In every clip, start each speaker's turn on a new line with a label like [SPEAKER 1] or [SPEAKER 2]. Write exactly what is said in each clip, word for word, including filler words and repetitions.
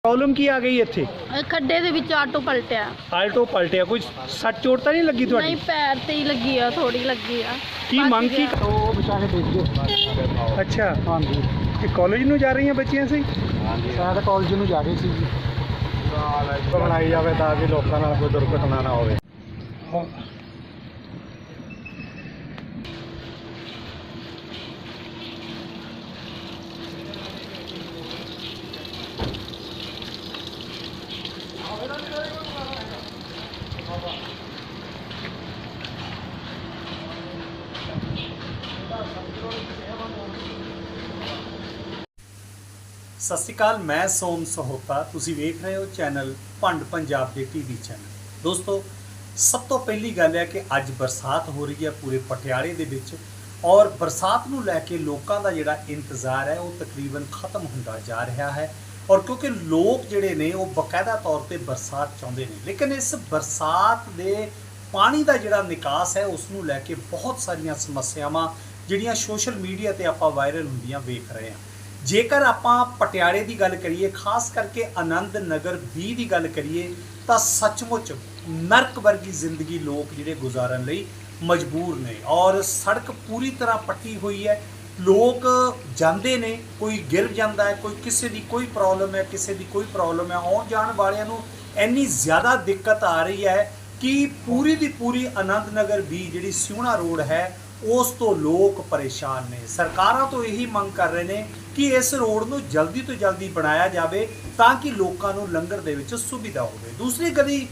[SPEAKER 1] Problem की आ गई इत्थे?
[SPEAKER 2] खड्डे दे विच आटो पलटिया।
[SPEAKER 1] आल्टो पलटिया, कोई सट चोट तो नहीं लगी तुहाडी?
[SPEAKER 2] नहीं, पैर ते ही लगी आ, थोड़ी लगी आ।
[SPEAKER 1] की मंग की?
[SPEAKER 3] तो बेचारे देख गए।
[SPEAKER 1] अच्छा,
[SPEAKER 3] हाँ जी,
[SPEAKER 1] कि कॉलेज ਨੂੰ ਜਾ ਰਹੀਆਂ ਬੱਚੀਆਂ ਸੀ?
[SPEAKER 3] शायद कॉलेज ਨੂੰ ਜਾ ਰਹੇ ਸੀ ਜੀ। ਬਣਾਈ ਜਾਵੇ ਤਾਂ ਕਿ ਲੋਕਾਂ ਨਾਲ ਕੋਈ ਦੁਰਘਟਨਾ ਨਾ ਹੋਵੇ।
[SPEAKER 1] ਸਤਿ ਸ਼੍ਰੀ ਅਕਾਲ, ਮੈਂ ਸੋਮ ਸਹੋਤਾ। ਤੁਸੀਂ ਵੇਖ ਰਹੇ ਹੋ ਚੈਨਲ ਭੰਡ ਪੰਜਾਬ ਦੇ ਟੀਵੀ ਚੈਨਲ। ਦੋਸਤੋ, ਸਭ ਤੋਂ ਪਹਿਲੀ ਗੱਲ ਹੈ ਕਿ ਅੱਜ ਬਰਸਾਤ ਹੋ ਰਹੀ ਹੈ ਪੂਰੇ ਪਟਿਆਲੇ ਦੇ ਵਿੱਚ, ਔਰ ਬਰਸਾਤ ਨੂੰ ਲੈ ਕੇ ਲੋਕਾਂ ਦਾ ਜਿਹੜਾ ਇੰਤਜ਼ਾਰ ਹੈ ਉਹ ਤਕਰੀਬਨ ਖਤਮ ਹੁੰਦਾ ਜਾ ਰਿਹਾ ਹੈ। ਔਰ ਕਿਉਂਕਿ ਲੋਕ ਜਿਹੜੇ ਨੇ ਉਹ ਬਕਾਇਦਾ ਤੌਰ ਤੇ ਬਰਸਾਤ ਚਾਹੁੰਦੇ ਨੇ, ਲੇਕਿਨ ਇਸ ਬਰਸਾਤ ਦੇ ਪਾਣੀ ਦਾ ਜਿਹੜਾ ਨਿਕਾਸ ਹੈ ਉਸ ਨੂੰ ਲੈ ਕੇ ਬਹੁਤ ਸਾਰੀਆਂ ਸਮੱਸਿਆਵਾਂ ਜਿਹੜੀਆਂ ਸੋਸ਼ਲ ਮੀਡੀਆ ਤੇ ਆਪਾਂ ਵਾਇਰਲ ਹੁੰਦੀਆਂ ਵੇਖ ਰਹੇ ਹਾਂ। ਜੇਕਰ ਆਪਾਂ ਪਟਿਆਲੇ ਦੀ ਗੱਲ ਕਰੀਏ, ਖਾਸ ਕਰਕੇ ਆਨੰਦ ਨਗਰ ਵੀਹ ਦੀ ਗੱਲ ਕਰੀਏ, ਤਾਂ ਸੱਚਮੁੱਚ ਨਰਕ ਵਰਗੀ ਜ਼ਿੰਦਗੀ ਲੋਕ ਜਿਹੜੇ ਗੁਜ਼ਾਰਨ ਲਈ ਮਜਬੂਰ ਨੇ, ਔਰ ਸੜਕ ਪੂਰੀ ਤਰ੍ਹਾਂ ਪੱਟੀ ਹੋਈ ਹੈ। ਲੋਕ ਜਾਂਦੇ ਨੇ, ਕੋਈ ਗਿਰ ਜਾਂਦਾ ਹੈ, ਕੋਈ ਕਿਸੇ ਦੀ ਕੋਈ ਪ੍ਰੋਬਲਮ ਹੈ, ਕਿਸੇ ਦੀ ਕੋਈ ਪ੍ਰੋਬਲਮ ਹੈ। ਆਉਣ ਜਾਣ ਵਾਲਿਆਂ ਨੂੰ ਇੰਨੀ ਜ਼ਿਆਦਾ ਦਿੱਕਤ ਆ ਰਹੀ ਹੈ ਕਿ ਪੂਰੀ ਦੀ ਪੂਰੀ ਆਨੰਦ ਨਗਰ ਵੀਹ ਜਿਹੜੀ ਸਿਉਣਾ ਰੋਡ ਹੈ ਉਸ ਤੋਂ ਲੋਕ ਪਰੇਸ਼ਾਨ ਨੇ। ਸਰਕਾਰਾਂ ਤੋਂ ਇਹੀ ਮੰਗ ਕਰ ਰਹੇ ਨੇ ਕਿ ਇਸ ਰੋਡ ਨੂੰ ਜਲਦੀ ਤੋਂ ਜਲਦੀ ਬਣਾਇਆ ਜਾਵੇ ਤਾਂ ਕਿ ਲੋਕਾਂ ਨੂੰ ਲੰਘਣ ਦੇ ਵਿੱਚ ਸੁਵਿਧਾ ਹੋਵੇ। ਦੂਸਰੀ ਗਲੀ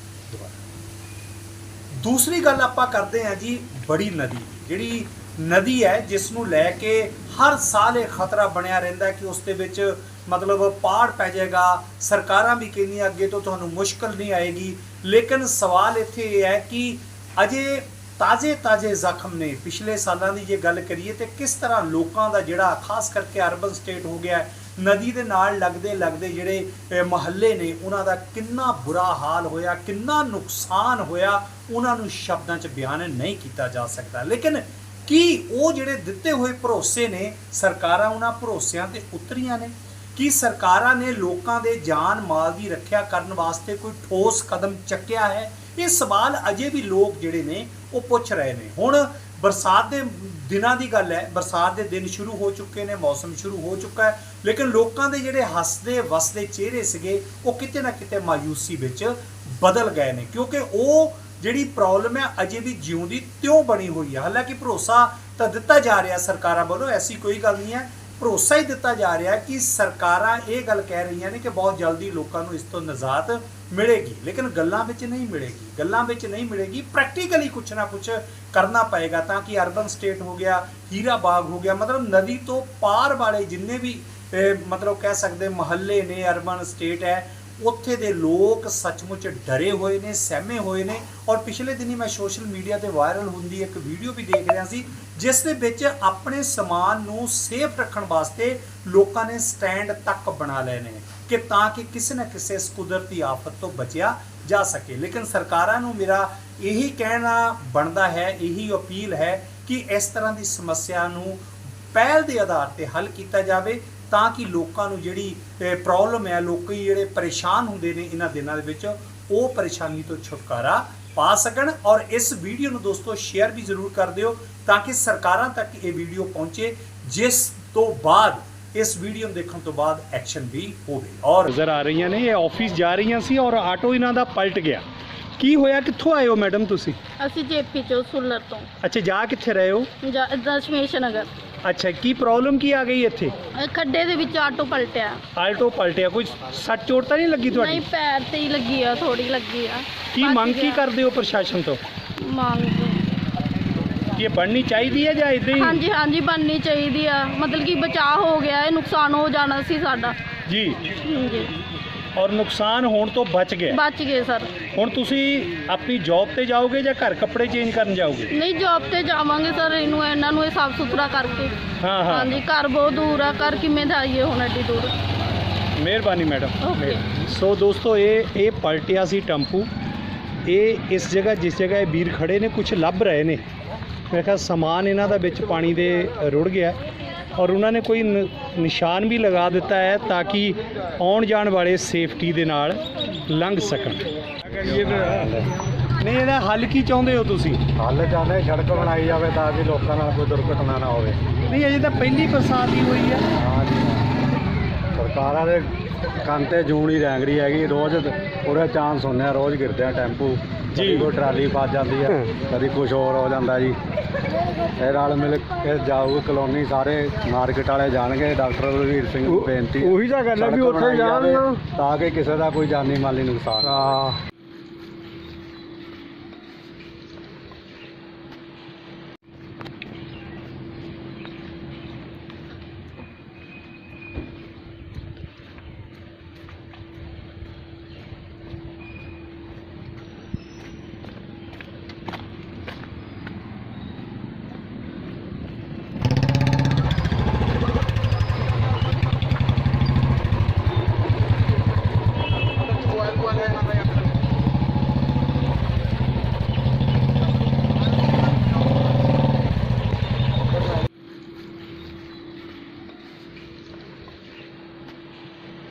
[SPEAKER 1] ਦੂਸਰੀ ਗੱਲ ਆਪਾਂ ਕਰਦੇ ਹਾਂ ਜੀ, ਬੜੀ ਨਦੀ, ਜਿਹੜੀ ਨਦੀ ਹੈ ਜਿਸ ਨੂੰ ਲੈ ਕੇ ਹਰ ਸਾਲ ਇਹ ਖਤਰਾ ਬਣਿਆ ਰਹਿੰਦਾ ਕਿ ਉਸ ਦੇ ਵਿੱਚ ਮਤਲਬ ਪਾੜ ਪੈ ਜਾਏਗਾ। ਸਰਕਾਰਾਂ ਵੀ ਕਹਿੰਦੀਆਂ ਅੱਗੇ ਤੋਂ ਤੁਹਾਨੂੰ ਮੁਸ਼ਕਲ ਨਹੀਂ ਆਏਗੀ, ਲੇਕਿਨ ਸਵਾਲ ਇੱਥੇ ਇਹ ਹੈ ਕਿ ਅਜੇ ਤਾਜ਼ੇ ਤਾਜ਼ੇ ਜ਼ਖਮ ਨੇ। ਪਿਛਲੇ ਸਾਲਾਂ ਦੀ ਜੇ ਗੱਲ ਕਰੀਏ ਤਾਂ ਕਿਸ ਤਰ੍ਹਾਂ ਲੋਕਾਂ ਦਾ ਜਿਹੜਾ ਖਾਸ ਕਰਕੇ ਅਰਬਨ ਸਟੇਟ ਹੋ ਗਿਆ, ਨਦੀ ਦੇ ਨਾਲ ਲੱਗਦੇ ਲੱਗਦੇ ਜਿਹੜੇ ਮੁਹੱਲੇ ਨੇ ਉਹਨਾਂ ਦਾ ਕਿੰਨਾ ਬੁਰਾ ਹਾਲ ਹੋਇਆ, ਕਿੰਨਾ ਨੁਕਸਾਨ ਹੋਇਆ, ਉਹਨਾਂ ਨੂੰ ਸ਼ਬਦਾਂ 'ਚ ਬਿਆਨ ਨਹੀਂ ਕੀਤਾ ਜਾ ਸਕਦਾ। ਲੇਕਿਨ ਕੀ ਉਹ ਜਿਹੜੇ ਦਿੱਤੇ ਹੋਏ ਭਰੋਸੇ ਨੇ, ਸਰਕਾਰਾਂ ਉਹਨਾਂ ਭਰੋਸਿਆਂ 'ਤੇ ਉਤਰੀਆਂ ਨੇ? ਕੀ ਸਰਕਾਰਾਂ ਨੇ ਲੋਕਾਂ ਦੇ ਜਾਨ ਮਾਲ ਦੀ ਰੱਖਿਆ ਕਰਨ ਵਾਸਤੇ ਕੋਈ ਠੋਸ ਕਦਮ ਚੱਕਿਆ ਹੈ? ਇਹ ਸਵਾਲ ਅਜੇ ਵੀ ਲੋਕ ਜਿਹੜੇ ਨੇ ਉਹ ਪੁੱਛ ਰਹੇ ਨੇ। ਹੁਣ ਬਰਸਾਤ ਦੇ ਦਿਨਾਂ ਦੀ ਗੱਲ ਹੈ, ਬਰਸਾਤ ਦੇ ਦਿਨ ਸ਼ੁਰੂ ਹੋ ਚੁੱਕੇ ਨੇ, ਮੌਸਮ ਸ਼ੁਰੂ ਹੋ ਚੁੱਕਾ ਹੈ, ਲੇਕਿਨ ਲੋਕਾਂ ਦੇ ਜਿਹੜੇ ਹੱਸਦੇ ਵਸਦੇ ਚਿਹਰੇ ਸੀਗੇ ਉਹ ਕਿਤੇ ਨਾ ਕਿਤੇ ਮਾਯੂਸੀ ਵਿੱਚ ਬਦਲ ਗਏ ਨੇ, ਕਿਉਂਕਿ ਉਹ ਜਿਹੜੀ ਪ੍ਰੋਬਲਮ ਹੈ ਅਜੇ ਵੀ ਜਿਉਂਦੀ ਤਿਉਂ ਬਣੀ ਹੋਈ ਹੈ। ਹਾਲਾਂਕਿ ਭਰੋਸਾ ਤਾਂ ਦਿੱਤਾ ਜਾ ਰਿਹਾ ਸਰਕਾਰਾਂ ਵੱਲੋਂ, ਐਸੀ ਕੋਈ ਗੱਲ ਨਹੀਂ ਹੈ, ਭਰੋਸਾ ਹੀ ਦਿੱਤਾ ਜਾ ਰਿਹਾ ਕਿ ਸਰਕਾਰਾਂ ਇਹ ਗੱਲ ਕਹਿ ਰਹੀਆਂ ਨੇ ਕਿ ਬਹੁਤ ਜਲਦੀ ਲੋਕਾਂ ਨੂੰ ਇਸ ਤੋਂ ਨਿਜਾਤ ਮਿਲੇਗੀ, ਲੇਕਿਨ ਗੱਲਾਂ ਵਿੱਚ ਨਹੀਂ ਮਿਲੇਗੀ। ਗੱਲਾਂ ਵਿੱਚ ਨਹੀਂ ਮਿਲੇਗੀ, ਪ੍ਰੈਕਟੀਕਲੀ ਕੁਛ ਨਾ ਕੁਛ ਕਰਨਾ ਪਏਗਾ ਤਾਂ ਕਿ ਅਰਬਨ ਸਟੇਟ ਹੋ ਗਿਆ, ਹੀਰਾ ਬਾਗ ਹੋ ਗਿਆ, ਮਤਲਬ ਨਦੀ ਤੋਂ ਪਾਰ ਵਾਲੇ ਜਿੰਨੇ ਵੀ ਮਤਲਬ ਕਹਿ ਸਕਦੇ ਮੁਹੱਲੇ ਨੇ, ਅਰਬਨ ਸਟੇਟ ਹੈ, ਉੱਥੇ ਦੇ ਲੋਕ ਸੱਚਮੁੱਚ ਡਰੇ ਹੋਏ ਨੇ, ਸਹਿਮੇ ਹੋਏ ਨੇ। ਔਰ ਪਿਛਲੇ ਦਿਨੀ ਮੈਂ ਸੋਸ਼ਲ ਮੀਡੀਆ ਤੇ ਵਾਇਰਲ ਹੁੰਦੀ ਇੱਕ ਵੀਡੀਓ ਵੀ ਦੇਖ ਰਿਹਾ ਸੀ ਜਿਸ ਦੇ ਵਿੱਚ ਆਪਣੇ ਸਮਾਨ ਨੂੰ ਸੇਫ ਰੱਖਣ ਵਾਸਤੇ ਲੋਕਾਂ ਨੇ ਸਟੈਂਡ ਤੱਕ ਬਣਾ ਲਏ ਨੇ ਕਿ ਤਾਂ ਕਿ ਕਿਸੇ ਨਾ ਕਿਸੇ ਇਸ ਕੁਦਰਤੀ ਆਫਤ ਤੋਂ ਬਚਿਆ ਜਾ ਸਕੇ। ਲੇਕਿਨ ਸਰਕਾਰਾਂ ਨੂੰ ਮੇਰਾ ਇਹੀ ਕਹਿਣਾ ਬਣਦਾ ਹੈ, ਇਹੀ ਅਪੀਲ ਹੈ ਕਿ ਇਸ ਤਰ੍ਹਾਂ ਦੀ ਸਮੱਸਿਆ ਨੂੰ ਪਹਿਲ ਦੇ ਆਧਾਰ ਤੇ ਹੱਲ ਕੀਤਾ ਜਾਵੇ ਤਾਂ ਕਿ ਲੋਕਾਂ ਨੂੰ ਜਿਹੜੀ ਪ੍ਰੋਬਲਮ ਹੈ, ਲੋਕੀ ਜਿਹੜੇ ਪਰੇਸ਼ਾਨ ਹੁੰਦੇ ਨੇ ਇਹਨਾਂ ਦਿਨਾਂ ਦੇ ਵਿੱਚ, ਉਹ ਪਰੇਸ਼ਾਨੀ ਤੋਂ ਛੁਟਕਾਰਾ ਪਾ ਸਕਣ। ਔਰ ਇਸ ਵੀਡੀਓ ਨੂੰ ਦੋਸਤੋ ਸ਼ੇਅਰ ਵੀ ਜ਼ਰੂਰ ਕਰ ਦਿਓ ਤਾਂ ਕਿ ਸਰਕਾਰਾਂ ਤੱਕ ਇਹ ਵੀਡੀਓ ਪਹੁੰਚੇ, ਜਿਸ ਤੋਂ ਬਾਅਦ ਇਸ ਵੀਡੀਓ ਨੂੰ ਦੇਖਣ ਤੋਂ ਬਾਅਦ ਐਕਸ਼ਨ ਵੀ ਹੋਵੇ। ਔਰ ਨਜ਼ਰ ਆ ਰਹੀਆਂ ਨੇ, ਇਹ ਆਫਿਸ ਜਾ ਰਹੀਆਂ ਸੀ ਔਰ ਆਟੋ ਇਹਨਾਂ ਦਾ ਪਲਟ ਗਿਆ। ਕੀ ਹੋਇਆ? ਕਿੱਥੋਂ ਆਏ ਹੋ ਮੈਡਮ ਤੁਸੀਂ?
[SPEAKER 2] ਅਸੀਂ ਜੇਪੀ ਚੋਂ ਸੁਲਰ ਤੋਂ।
[SPEAKER 1] ਅੱਛਾ, ਜਾ ਕਿੱਥੇ ਰਹੇ ਹੋ?
[SPEAKER 2] ਦਸ਼ਮੇਸ਼ ਨਗਰ।
[SPEAKER 1] ਅੱਛਾ, ਕੀ ਪ੍ਰੋਬਲਮ ਕੀ ਆ ਗਈ ਇੱਥੇ?
[SPEAKER 2] ਖੱਡੇ ਦੇ ਵਿੱਚ ਆਟੋ ਪਲਟਿਆ।
[SPEAKER 1] ਆਲਟੋ ਪਲਟਿਆ, ਕੋਈ ਸੱਟ ਚੋਟ ਤਾਂ ਨਹੀਂ ਲੱਗੀ ਤੁਹਾਡੀ?
[SPEAKER 2] ਨਹੀਂ, ਪੈਰ ਤੇ ਹੀ ਲੱਗੀ ਆ, ਥੋੜੀ ਲੱਗੀ ਆ।
[SPEAKER 1] ਕੀ ਮੰਗ ਕੀ ਕਰਦੇ ਹੋ ਪ੍ਰਸ਼ਾਸਨ ਤੋਂ?
[SPEAKER 2] ਮੰਗ
[SPEAKER 1] ਕਿ ਇਹ ਬਣਨੀ ਚਾਹੀਦੀ ਹੈ ਜਾਂ ਇਦਾਂ ਹੀ?
[SPEAKER 2] ਹਾਂਜੀ ਹਾਂਜੀ ਬਣਨੀ ਚਾਹੀਦੀ ਆ, ਮਤਲਬ ਕਿ ਬਚਾਅ ਹੋ ਗਿਆ, ਇਹ ਨੁਕਸਾਨ ਹੋ ਜਾਣਾ ਸੀ ਸਾਡਾ
[SPEAKER 1] ਜੀ,
[SPEAKER 2] ਜੀ,
[SPEAKER 1] ਔਰ ਨੁਕਸਾਨ ਹੋਣ ਤੋਂ ਬਚ ਗਏ।
[SPEAKER 2] ਬਚ ਗਏ ਸਰ।
[SPEAKER 1] ਹੁਣ ਤੁਸੀਂ ਆਪਣੀ ਜੌਬ ਤੇ ਜਾਓਗੇ ਜਾਂ ਘਰ ਕੱਪੜੇ ਚੇਂਜ ਕਰਨ ਜਾਓਗੇ?
[SPEAKER 2] ਨਹੀਂ, ਜੌਬ ਤੇ ਜਾਵਾਂਗੇ ਸਰ। ਇਹਨੂੰ ਇਹਨਾਂ ਨੂੰ ਇਹ ਸਾਫ ਸੁਥਰਾ ਕਰਕੇ।
[SPEAKER 1] ਹਾਂ ਹਾਂ
[SPEAKER 2] ਹਾਂਜੀ, ਘਰ ਬਹੁਤ ਦੂਰ ਆ, ਘਰ ਕਿਵੇਂ ਦਾ ਆਈਏ ਹੁਣ ਐਡੀ ਦੂਰ।
[SPEAKER 1] ਮਿਹਰਬਾਨੀ ਮੈਡਮ।
[SPEAKER 2] ਓਕੇ।
[SPEAKER 1] ਸੋ ਦੋਸਤੋ, ਇਹ ਇਹ ਪਲਟਿਆ ਸੀ ਟੈਂਪੂ। ਇਹ ਇਸ ਜਗ੍ਹਾ ਜਿਸ ਜਗ੍ਹਾ ਇਹ ਵੀਰ ਖੜੇ ਨੇ ਕੁਝ ਲੱਭ ਰਹੇ ਨੇ। ਮੈਂ ਕਿਹਾ ਸਮਾਨ ਇਹਨਾਂ ਦਾ ਵਿੱਚ ਪਾਣੀ ਦੇ ਰੁੜ ਗਿਆ ਔਰ ਉਹਨਾਂ ਨੇ ਕੋਈ ਨ- ਨਿਸ਼ਾਨ ਵੀ ਲਗਾ ਦਿੱਤਾ ਹੈ ਤਾਂ ਕਿ ਆਉਣ ਜਾਣ ਵਾਲੇ ਸੇਫਟੀ ਦੇ ਨਾਲ ਲੰਘ ਸਕਣ। ਨਹੀਂ, ਇਹਦਾ ਹੱਲ ਕੀ ਚਾਹੁੰਦੇ ਹੋ ਤੁਸੀਂ?
[SPEAKER 3] ਹੱਲ ਚਾਹੁੰਦੇ ਸੜਕ ਬਣਾਈ ਜਾਵੇ ਤਾਂ ਕਿ ਲੋਕਾਂ ਨਾਲ ਕੋਈ ਦੁਰਘਟਨਾ ਨਾ ਹੋਵੇ।
[SPEAKER 1] ਨਹੀਂ, ਅਜੇ ਤਾਂ ਪਹਿਲੀ ਬਰਸਾਤ ਹੀ ਹੋਈ ਹੈ।
[SPEAKER 3] ਹਾਂ ਜੀ, ਸਰਕਾਰਾਂ ਦੇ ਕੰਨ ਤੇ ਜੂਨ ਹੀ ਰੈਂਗ ਰਹੀ ਹੈਗੀ। ਰੋਜ਼ ਪੂਰੇ ਚਾਂਸ ਹੁੰਦੇ ਆ, ਰੋਜ਼ ਗਿਰਦੇ ਆ ਟੈਂਪੂ ਜੀ, ਕੋਈ ਟਰਾਲੀ ਫਸ ਜਾਂਦੀ ਹੈ, ਕਦੀ ਕੁਝ ਹੋਰ ਹੋ ਜਾਂਦਾ ਜੀ। ਇਹ ਨਾਲ ਮਿਲ ਕੇ ਜਾਊ ਕਲੋਨੀ, ਸਾਰੇ ਮਾਰਕੀਟ ਵਾਲੇ ਜਾਣਗੇ। ਡਾਕਟਰ ਬਲਵੀਰ ਸਿੰਘ ਨੂੰ ਬੇਨਤੀ
[SPEAKER 4] ਉਹੀ ਤਾਂ ਗੱਲ ਹੈ ਵੀ
[SPEAKER 3] ਸੜਕ
[SPEAKER 4] ਉੱਥੇ
[SPEAKER 3] ਬਣਾਈ
[SPEAKER 4] ਜਾਣ
[SPEAKER 3] ਜਾਵੇ
[SPEAKER 4] ਨਾ।
[SPEAKER 3] ਤਾਂ ਕਿ ਕਿਸੇ ਦਾ ਕੋਈ ਜਾਨੀ ਮਾਲੀ ਨੁਕਸਾਨ ਨਾ ਹੋਵੇ।